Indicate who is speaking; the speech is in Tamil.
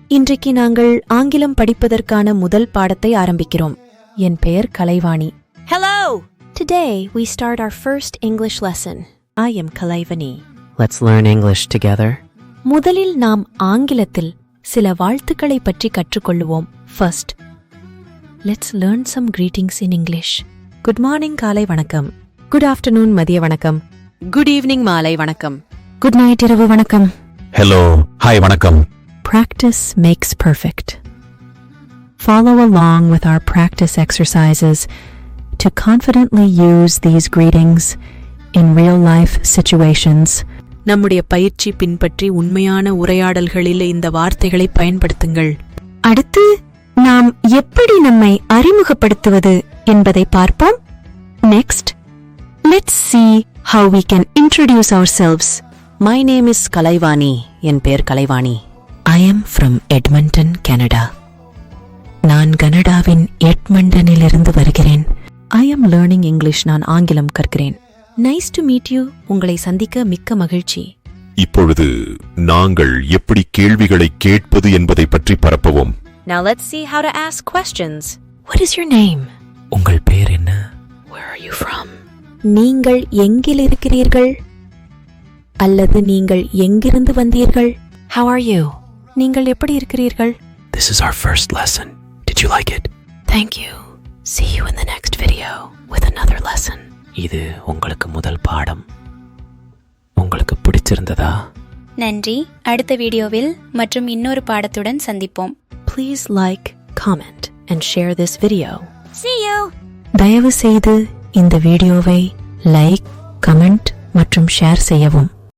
Speaker 1: இன்றைக்கு நாங்கள் ஆங்கிலம் படிப்பதற்கான முதல் பாடத்தை ஆரம்பிக்கிறோம். என் பெயர் Kalaivani.
Speaker 2: Hello!
Speaker 1: Today we start our first English lesson. I am Kalaivani.
Speaker 3: Let's learn English together.
Speaker 1: முதலில் நாம் ஆங்கிலத்தில் சில வாழ்த்துக்களை பற்றி கற்றுக்கொள்வோம். First, let's learn some greetings in English. Good morning காலை வணக்கம். Good afternoon மதிய வணக்கம்.
Speaker 2: Good evening மாலை வணக்கம்.
Speaker 1: Good night இரவு வணக்கம்.
Speaker 4: Hello, hi வணக்கம்.
Speaker 1: Practice makes perfect. Follow along with our practice exercises to confidently use these greetings in real-life situations.
Speaker 2: நம்முடைய பயிற்சி பின்பற்றி உண்மையான உரையாடல்களில் இந்த வார்த்தைகளை பயன்படுத்துங்கள்.
Speaker 1: அடுத்து நாம் எப்படி நம்மை அறிமுகப்படுத்துவது என்பதை பார்ப்போம். Next, let's see how we can introduce ourselves.
Speaker 2: My name is Kalaivani. என் பெயர் Kalaivani.
Speaker 1: I am from Edmonton, Canada. நான் கனடாவின் எட்மண்டனிலிருந்து வருகிறேன். I am learning English. நான் ஆங்கிலம் கற்கிறேன். Nice to meet you. உங்களை சந்திக்க மிக்க மகிழ்ச்சி.
Speaker 4: இப்பொழுது நாங்கள் எப்படி கேள்விகளை கேட்பது என்பதை பற்றி பரப்பவும்.
Speaker 2: Now let's see how to ask questions.
Speaker 1: What is your name?
Speaker 3: உங்கள் பெயர் என்ன?
Speaker 1: Where are you from? நீங்கள் எங்கில் இருக்கிறீர்கள்? அல்லது நீங்கள் எங்கிருந்து வந்தீர்கள்? How are you? நீங்கள் எப்படி இருக்கிறீர்கள்?
Speaker 3: This is our first lesson. Did you like it?
Speaker 1: Thank you. See you in the next video with another lesson.
Speaker 3: இது உங்களுக்கு முதல் பாடம். உங்களுக்கு பிடிச்சிருந்ததா?
Speaker 5: நன்றி. அடுத்த வீடியோவில் மற்றும் இன்னொரு பாடத்துடன் சந்திப்போம்.
Speaker 1: Please like, comment and share this video.
Speaker 5: See you.
Speaker 1: தயவு செய்து இந்த வீடியோவை லைக், கமெண்ட் மற்றும் ஷேர் செய்யவும்.